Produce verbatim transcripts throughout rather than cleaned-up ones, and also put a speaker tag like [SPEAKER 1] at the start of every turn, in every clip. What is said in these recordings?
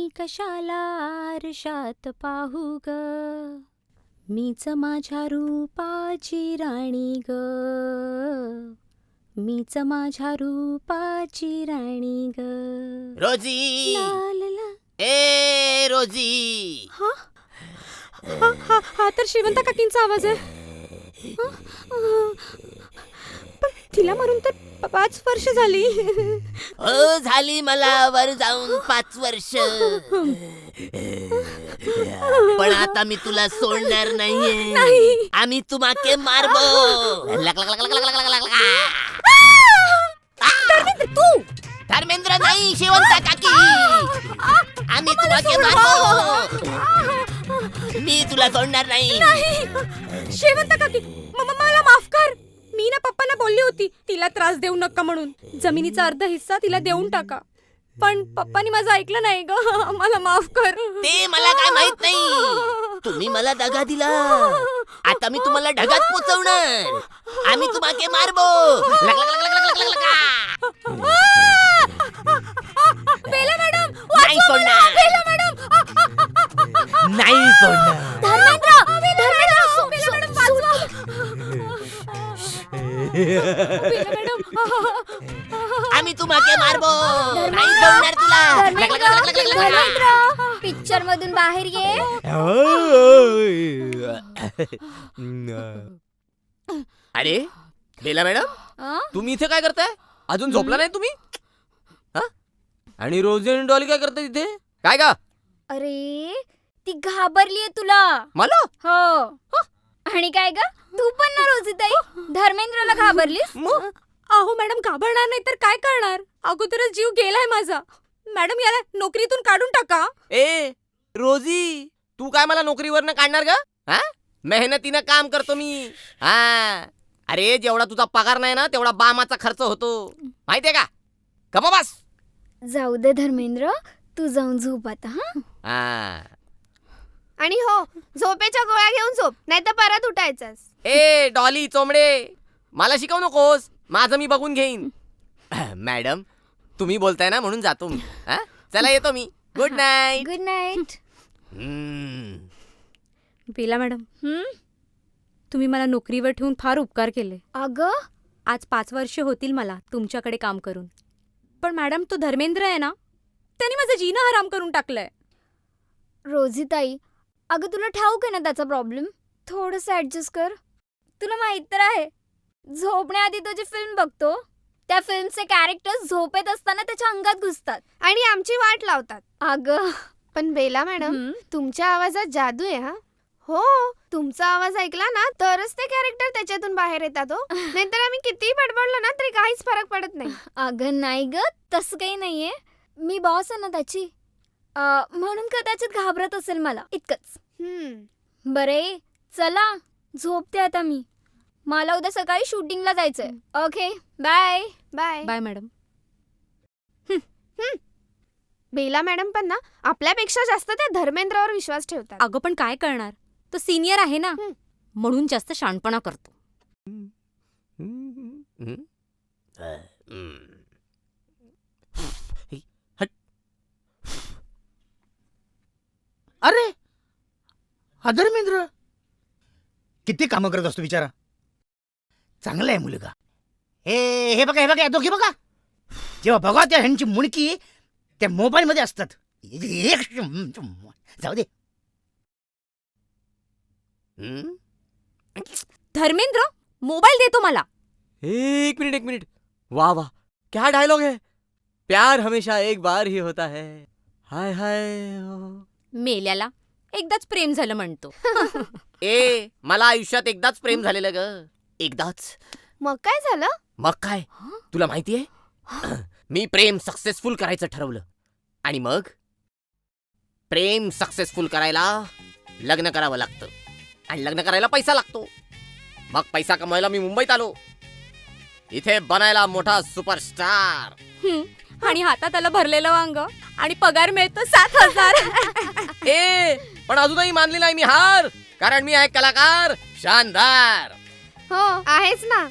[SPEAKER 1] मी कशाला आरशात पाहू ग, मीच माझ्या रूपाची राणी ग, मीच माझ्या रूपाची राणी ग.
[SPEAKER 2] रोजी,
[SPEAKER 1] ला ला ला.
[SPEAKER 2] ए रोजी.
[SPEAKER 1] हा हा हा हा तर श्रीमंत काकींचा आवाज आहे. हा? अं, पण तिला मरून तर प- पाच वर्ष झाली.
[SPEAKER 2] हो झाली मला वर जाऊन पाच वर्ष. पण आता मी तुला सोडणार नाहीये.
[SPEAKER 1] नाही.
[SPEAKER 2] आम्ही तुम्हाके मारबो. लक लक लक लक लक लक लक लक.
[SPEAKER 1] धर्मेंद्र, तू
[SPEAKER 2] धर्मेंद्र नाही, शेवंता काकी. आम्ही तुम्हाके मारबो. मी तुला सोडणार नाही.
[SPEAKER 1] नाही. शेवंत काकी, म- म- मला माफ कर. मी ना पप्पांना बोलली होती तिला त्रास देऊ नका म्हणून. जमिनीचा अर्धा हिस्सा तिला देऊन टाका. पण पप्पानी माझं ऐकलं नाही ग. मला माफ कर.
[SPEAKER 2] ते मला काय माहित नाही. तुम्ही मला दगा दिला. आता मी तुम्हाला ढगात पोचवणार. आम्ही तुम्हाके मारबो. लक लक लक लक लक लक लक.
[SPEAKER 1] बेला मॅडम,
[SPEAKER 2] नाही सोडणार.
[SPEAKER 1] बेला मॅडम.
[SPEAKER 2] नाही सोडणार.
[SPEAKER 1] धर्मेंद्र, धर्मेंद्र, सो- बेला मॅडम, वाचवा. बेला मॅडम.
[SPEAKER 2] आम्ही तुम्हाके मारबो. नाही सोडणार तुला. लक लक लक लक लक लक लक.
[SPEAKER 1] पिक्चर मधून बाहेर ये.
[SPEAKER 2] अरे बेला मॅडम,
[SPEAKER 1] अं?
[SPEAKER 3] तुम्ही इथे काय करताय? अजून झोपला नाही तुम्ही? हा? आणि रोजी आणि डॉली काय करताय तिथे? काय का?
[SPEAKER 1] अरे ती घाबरलीये तुला.
[SPEAKER 3] मला?
[SPEAKER 1] हो. आणि काय ग, तू पण ना रोजीताई धर्मेंद्रला घाबरलीस?
[SPEAKER 3] मग?
[SPEAKER 1] अहो मॅडम, घाबरणार नाही तर काय करणार. अगोदरच जीव गेलाय माझा. मॅडम, याला नोकरीतून काढून टाका.
[SPEAKER 3] ए रोजी, तू काय मला नोकरीवरनं काढणार का? हा? मेहनतीनं काम करतो मी. हा. अरे जेवढा तुझा पगार नाही ना तेवढा बामाचा खर्च होतो. माहितीये का? गप्पा बस.
[SPEAKER 1] जाऊ दे धर्मेंद्र, तू जाऊन झोप आता. हा.
[SPEAKER 3] हा.
[SPEAKER 4] आणि हो, झोपेच्या गोळ्या घेऊन झोप, नाही तर परत उठायचंस.
[SPEAKER 3] ए डॉली चोमडे, मला शिकवू नकोस. माझं मी बघून घेईन. मॅडम, तुम्ही बोलताय ना म्हणून जातो मी. हा? चला येतो मी. Good night.
[SPEAKER 1] Good night. Bela madam, तुम्ही मला नोकरीवर ठेवून फार उपकार केले. अगं, आज पाच वर्ष होतील मला तुमच्याकडे काम करून. पण मॅडम, तो धर्मेंद्र आहे ना, त्याने माझं जीणं हराम करून टाकलंय. रोजीताई, अगं तुला ठाऊक आहे ना त्याचा प्रॉब्लेम. थोडंसं ॲडजस्ट कर. तुला माहित तर आहे, झोपण्याआधी तो जी फिल्म बघतो त्या फिल्मचे कॅरेक्टर्स झोपेत असताना त्याच्या अंगात घुसतात
[SPEAKER 4] आणि आमची वाट लावतात.
[SPEAKER 1] अगं.
[SPEAKER 4] पण बेला मॅडम,
[SPEAKER 1] हं?
[SPEAKER 4] तुमच्या आवाजात जादू आहे. हा हो, तुमचा आवाज ऐकला ना तरच ते कॅरेक्टर त्याच्यातून बाहेर येतात. हो, नाहीतर आम्ही कितीही बडबडलो ना तरी काहीच फरक पडत नाही.
[SPEAKER 1] अगं नाही ग, तसं काही नाहीये. मी बॉस आहे ना त्याची, अं, म्हणून कदाचित घाबरत असेल मला, इतकंच.
[SPEAKER 4] हम्म.
[SPEAKER 1] बरे, चला झोपते आता मी. मला उद्या सकाळी शूटिंगला जायचंय. Okay, bye.
[SPEAKER 4] Bye.
[SPEAKER 1] Bye madam.
[SPEAKER 4] Bela madam पण ना आपल्यापेक्षा जास्त त्या धर्मेंद्रावर विश्वास ठेवतात.
[SPEAKER 1] अगं पण काय करणार, तो सिनियर आहे ना,
[SPEAKER 4] हं.
[SPEAKER 1] म्हणून जास्त शाणपणा करतो.
[SPEAKER 5] अरे हा धर्मेंद्र किती कामं करत असतो बिचारा. चांगला आहे मुलगा. हे हे बघा हे बघा, दोघे बघा. जेव्हा बघा त्या ह्यांची मुणकी त्या मोबाईल मध्ये असतात. एक जाऊ दे.
[SPEAKER 1] धर्मेंद्र मोबाईल देतो मला.
[SPEAKER 3] एक मिनिट एक मिनिट. वाह वाह, क्या डायलॉग है. प्यार हमेशा एक बार ही होता है. हाय हाय.
[SPEAKER 1] मेल्याला एकदाच प्रेम झालं म्हणतो.
[SPEAKER 3] ए मला आयुष्यात एकदाच प्रेम झालेलं ग. एकदाच.
[SPEAKER 4] मग काय झालं?
[SPEAKER 3] मग काय, तुला माहितीये, मी प्रेम सक्सेसफुल करायचं ठरवलं. आणि मग प्रेम सक्सेसफुल करायला लग्न करावं लागतं. आणि लग्न करायला पैसा लागतो. मग पैसा कमवायला मी मुंबईत आलो. इथे बनायला मोठा सुपरस्टार.
[SPEAKER 1] हं, आणि हातात आलं भरलेलं वांग आणि पगार मिळतो सात हजार.
[SPEAKER 3] ए पण अजूनही मानली नाही मी हार. कारण मी आहे कलाकार शानदार.
[SPEAKER 4] हो आहेच ना.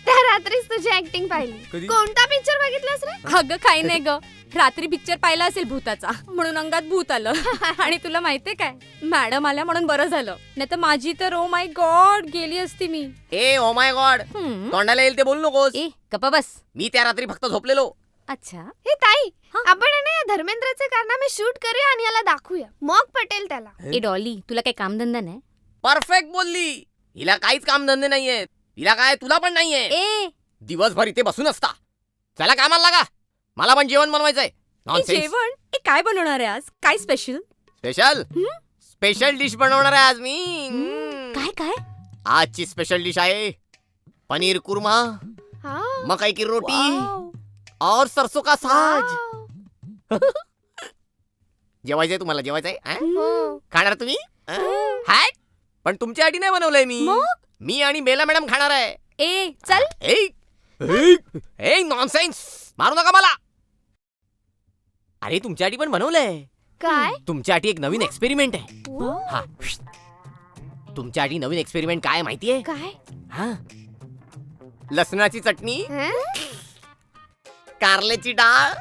[SPEAKER 4] त्या रात्रीच तुझी ऍक्टिंग पाहिली.
[SPEAKER 3] कधी?
[SPEAKER 4] कोणता पिक्चर बघितलास रे?
[SPEAKER 1] अगं काही नाही ग, रात्री पिक्चर पाहिला असेल भूताचा, म्हणून अंगात भूत आलं. आणि तुला माहितीये काय, मॅडम आल्या म्हणून बरं झालं, नाही तर माझी तर ओ माय गॉड गेली असती मी.
[SPEAKER 3] ए ओ माय गॉड,
[SPEAKER 1] हम्म.
[SPEAKER 3] तोंडाला येईल ते बोलू नकोस.
[SPEAKER 1] ए गप्पा बस.
[SPEAKER 3] मी त्या रात्री फक्त झोपलेलो.
[SPEAKER 1] अच्छा.
[SPEAKER 4] हे ताई,
[SPEAKER 1] हा?
[SPEAKER 4] आपण आहे ना या धर्मेंद्रचे कारनामे शूट करूया आणि याला दाखवूया, मग पटेल त्याला.
[SPEAKER 1] ए डॉली, तुला काही कामधंदा नाही?
[SPEAKER 3] परफेक्ट बोलली. हिला काहीच काम धंदे नाहीयेत. हिला काय, तुला पण नाहीये.
[SPEAKER 1] ए
[SPEAKER 3] दिवसभर इथे बसून असता. चला कामाला लागा. मला पण जेवण बनवायचंय.
[SPEAKER 1] ए,
[SPEAKER 3] नॉनसेन्स.
[SPEAKER 1] जेवण ए काय बनवणार आहे आज? काय स्पेशल?
[SPEAKER 3] स्पेशल
[SPEAKER 1] हं?
[SPEAKER 3] स्पेशल डिश बनवणार आहे आज मी. हम्म.
[SPEAKER 1] काय काय?
[SPEAKER 3] आजची स्पेशल डिश आहे पनीर कुर्मा,
[SPEAKER 4] हा.
[SPEAKER 3] मकई की रोटी
[SPEAKER 1] वाव.
[SPEAKER 3] और सरसों का साग.
[SPEAKER 4] वाव.
[SPEAKER 3] जेवायचंय तुम्हाला, जेवायचंय अं?
[SPEAKER 4] हो.
[SPEAKER 3] खाणार तुम्ही अं? हाय, पण तुमच्यासाठी नाही बनवलंय मी.
[SPEAKER 1] मग?
[SPEAKER 3] मी आणि बेला मॅडम खाणार आहे.
[SPEAKER 1] ए चल.
[SPEAKER 3] ए ए नॉनसेन्स, मारू नका मला. अरे तुमच्यासाठी पण बनवलंय.
[SPEAKER 4] काय?
[SPEAKER 3] तुमच्यासाठी एक नवीन एक्सपेरिमेंट आहे.
[SPEAKER 4] हो?
[SPEAKER 3] हा, तुमच्यासाठी नवीन एक्सपेरिमेंट काय माहितीये?
[SPEAKER 4] काय?
[SPEAKER 3] हा, लसणाची चटणी,
[SPEAKER 4] हं?
[SPEAKER 3] कारल्याची डाळ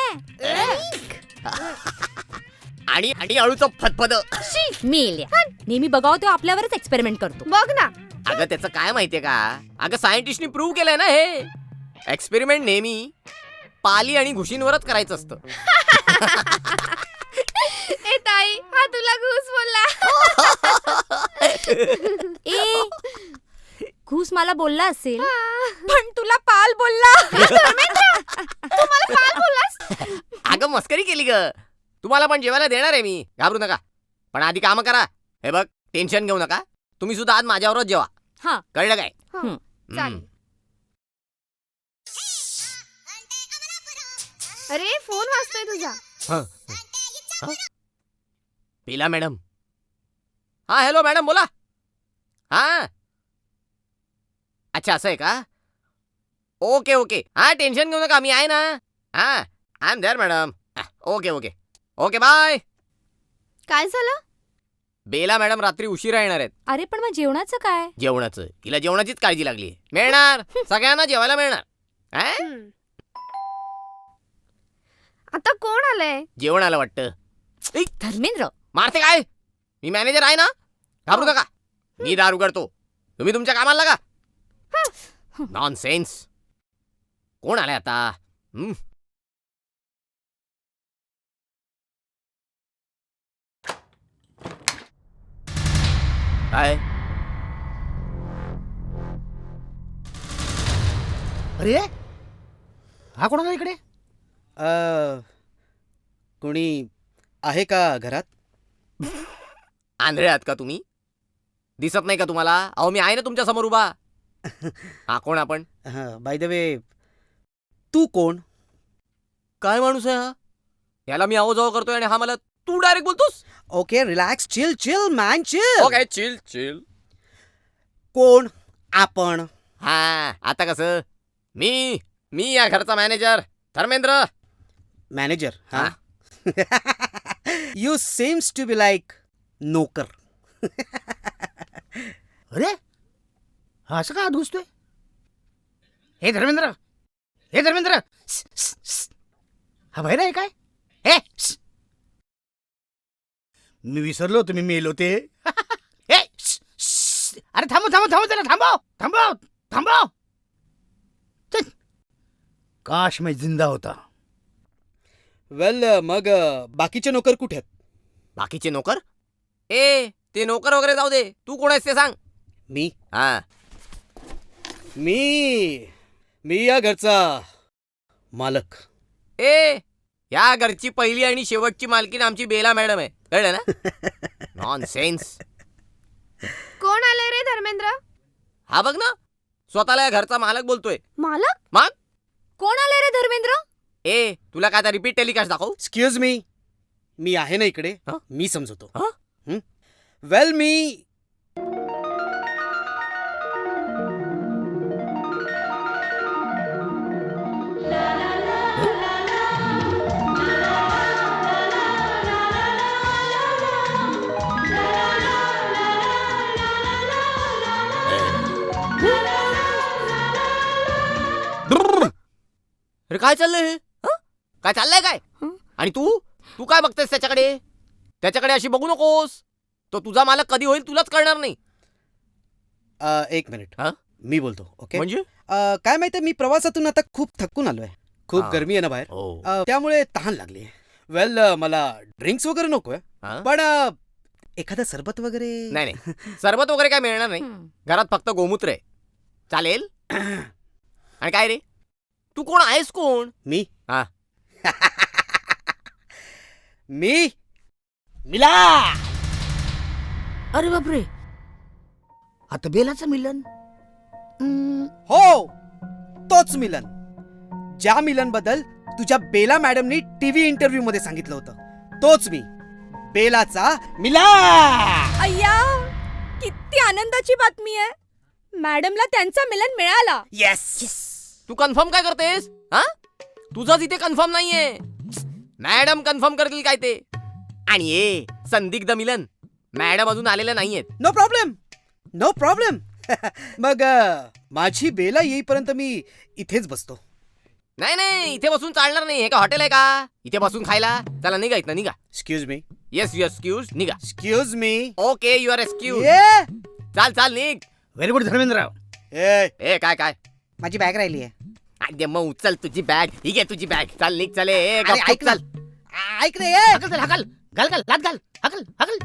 [SPEAKER 3] आणि आणि अळूचं फतफद.
[SPEAKER 1] मेल्या, नेहमी बघावं तो आपल्यावरच एक्सपेरिमेंट करतो.
[SPEAKER 4] बघ ना.
[SPEAKER 3] अगं त्याचं काय माहितीये का, अगं सायंटिस्टनी प्रूव्ह केलंय ना हे एक्सपेरिमेंट नेहमी पाली आणि घुशींवरच करायचं असतं.
[SPEAKER 4] ए ताई, हा तुला घुस बोलला.
[SPEAKER 1] ए घुस मला बोलला असेल, पण तुला पाल बोलला.
[SPEAKER 4] मला पाल बोललास?
[SPEAKER 3] अगं मस्करी केली ग. तुम्हाला पण जेवायला देणार आहे मी, घाबरू नका. पण आधी काम करा. हे बघ, टेन्शन घेऊ नका. तुम्ही सुद्धा आज माझ्यावरच जेवा.
[SPEAKER 1] हा.
[SPEAKER 3] कळलं काय?
[SPEAKER 4] हं, चालेल.
[SPEAKER 3] हम्म.
[SPEAKER 4] अरे फोन वाजतोय तुझा.
[SPEAKER 3] हं, हं. पिला मॅडम. हा हॅलो मॅडम, बोला. हा अच्छा, असं आहे का? ओके ओके, हा टेन्शन घेऊ नका, मी आहे ना. हा I am there madam. Okay okay okay bye.
[SPEAKER 4] काय झालं?
[SPEAKER 3] बेला मॅडम रात्री उशिरा येणार आहेत.
[SPEAKER 1] अरे पण मग जेवणाचं काय?
[SPEAKER 3] जेवणाचं, तिला जेवणाचीच काळजी लागली. मिळणार, सगळ्यांना जेवायला मिळणार. हा?
[SPEAKER 4] हं. आता कोण आलंय?
[SPEAKER 3] जेवण आलं वाटतं. ऐ,
[SPEAKER 1] धर्मेंद्र.
[SPEAKER 3] मारते काय? मी मॅनेजर आहे ना, घाबरू नका. मी दार उघडतो, तुम्ही तुमच्या कामाला लागा. नॉनसेन्स. कोण आलाय आता? हं? काय?
[SPEAKER 5] अरे हा कोण आला इकडे?
[SPEAKER 6] अ, कोणी आहे का घरात?
[SPEAKER 3] आंधळे आहात का तुम्ही? दिसत नाही का तुम्हाला? अहो मी आहे ना तुमच्या समोर उभा. हा कोण आपण?
[SPEAKER 6] बाय द वे, तू कोण?
[SPEAKER 3] काय माणूस आहे हा? याला मी आहो जाओ करतोय आणि हा मला तू डायरेक्ट बोलतोस.
[SPEAKER 6] Okay relax, chill chill man chill.
[SPEAKER 3] Okay chill chill.
[SPEAKER 6] कोण आपण?
[SPEAKER 3] हा आता कसं? मी मी या घरचा मॅनेजर धर्मेंद्र.
[SPEAKER 6] मॅनेजर.
[SPEAKER 3] हा.
[SPEAKER 6] You seems to be like नोकर.
[SPEAKER 5] अरे हा असं का आत घुसतोय? हे धर्मेंद्र, हे धर्मेंद्र, स, स, स. हा बाहेर आहे काय? हे स. मी विसरलो तुम्ही मेलो ते. हे, स, स. अरे थांबव थांबव थांबव त्याला थांबव थांबव थांबव. चल. काश मैं जिंदा होता.
[SPEAKER 6] वेल मग अ, बाकीचे नोकर कुठे आहेत?
[SPEAKER 3] बाकीचे नोकर? ए ते नोकर वगैरे जाऊ दे, तू कोण आहेस ते सांग.
[SPEAKER 6] मी
[SPEAKER 3] हा
[SPEAKER 6] मी मी या घरचा मालक.
[SPEAKER 3] ए या घरची पहिली आणि शेवटची मालकीन आमची बेला मॅडम आहे, कळलं ना? नॉनसेन्स.
[SPEAKER 4] कोण आलंय रे धर्मेंद्र?
[SPEAKER 3] हा बघ ना, स्वतःला या घरचा मालक बोलतोय.
[SPEAKER 4] मालक?
[SPEAKER 3] मग
[SPEAKER 1] कोण आलंय रे धर्मेंद्र?
[SPEAKER 3] ए तुला काय आता रिपीट टेलिकास्ट दाखवू?
[SPEAKER 6] एक्सक्यूज मी, मी आहे ना इकडे.
[SPEAKER 3] हं?
[SPEAKER 6] मी समजवतो.
[SPEAKER 3] हं?
[SPEAKER 6] वेल मी
[SPEAKER 3] अरे काय चाललंय हे हं? काय चाललंय काय
[SPEAKER 1] हं?
[SPEAKER 3] आणि तू तू काय बघतेस त्याच्याकडे त्याच्याकडे अशी बघू नकोस तो तुझा मालक कधी होईल तुलाच कळणार नाही
[SPEAKER 6] अ, एक मिनिट
[SPEAKER 3] हा?
[SPEAKER 6] मी बोलतो ओके
[SPEAKER 3] म्हणजे
[SPEAKER 6] अ, काय माहितीये मी प्रवासातून आता खूप थकून आलोय खूप
[SPEAKER 3] हा.
[SPEAKER 6] गरमी आहे ना बाहेर
[SPEAKER 3] हो
[SPEAKER 6] अ, त्यामुळे तहान लागली वेल मला ड्रिंक्स वगैरे नकोय
[SPEAKER 3] हा?
[SPEAKER 6] पण अ, एखादं सरबत वगैरे
[SPEAKER 3] नाही नाही सरबत वगैरे काय मिळणार नाही
[SPEAKER 1] हं.
[SPEAKER 3] घरात फक्त गोमूत्र आहे चालेल आणि काय रे तू कोण आहेस कोण
[SPEAKER 6] मी
[SPEAKER 3] हा.
[SPEAKER 6] मी
[SPEAKER 5] मिला अरे बापरे आता बेलाचं मिलन हम्म,
[SPEAKER 6] हो तोच मिलन ज्या मिलन बद्दल तुझ्या बेला मॅडमनी टीव्ही इंटरव्ह्यू मध्ये सांगितलं होतं तोच मी बेलाचा
[SPEAKER 5] मिला
[SPEAKER 1] अय्या किती आनंदाची बातमी आहे मॅडमला त्यांचा मिलन मिळाला
[SPEAKER 6] येस
[SPEAKER 3] तू कन्फर्म काय करतेस हा तुझंच इथे कन्फर्म नाहीये मॅडम कन्फर्म करतील काय ते आणि ए संदिग्ध मिलन मॅडम अजून आलेल्या नाहीयेत
[SPEAKER 6] नो प्रॉब्लेम नो प्रॉब्लेम मग अ, माझी बेला येईपर्यंत मी इथेच बसतो
[SPEAKER 3] नाही नाही इथे बसून चालणार नाही हे का हॉटेल आहे का इथे बसून खायला चला निघा इथनं निघा
[SPEAKER 6] excuse me
[SPEAKER 3] yes you excuse निघा
[SPEAKER 6] excuse me
[SPEAKER 3] okay you are excuse
[SPEAKER 6] ये
[SPEAKER 3] चाल चाल निघ
[SPEAKER 5] व्हेरी गुड धर्मेंद्रराव
[SPEAKER 6] ए,
[SPEAKER 3] ए काय काय
[SPEAKER 6] माझी बॅग राहिली आहे
[SPEAKER 3] अरे मग उचल तुझी बॅग ही घे तुझी बॅग चाल निघ चले ए
[SPEAKER 6] अरे,
[SPEAKER 3] गपचूप
[SPEAKER 6] ऐक ना.
[SPEAKER 3] चाल
[SPEAKER 6] ऐक रे ये.
[SPEAKER 5] हकल चल हकल घाल घाल लात घाल हकल हकल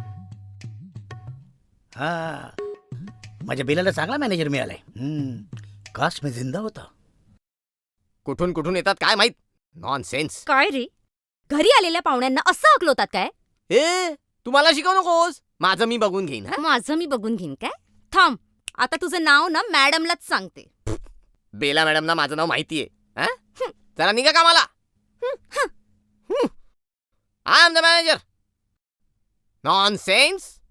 [SPEAKER 5] हा माझ्या बेलाला चांगला मॅनेजर मिळालाय हम्म, काश मी जिंदा होता
[SPEAKER 3] कुठून कुठून येतात काय माहित नॉन सेन्स
[SPEAKER 1] काय रे घरी आलेल्या पाहुण्यांना असं हकलवतात काय
[SPEAKER 3] ए तू मला शिकवू नकोस माझं मी बघून घेईन हा?
[SPEAKER 1] माझं मी बघून घेईन काय थांब आता तुझं नाव ना मॅडमलाच सांगते
[SPEAKER 3] बेला मॅडमना माझं नाव माहितीये हा? चला निघा कामाला I am the manager non sense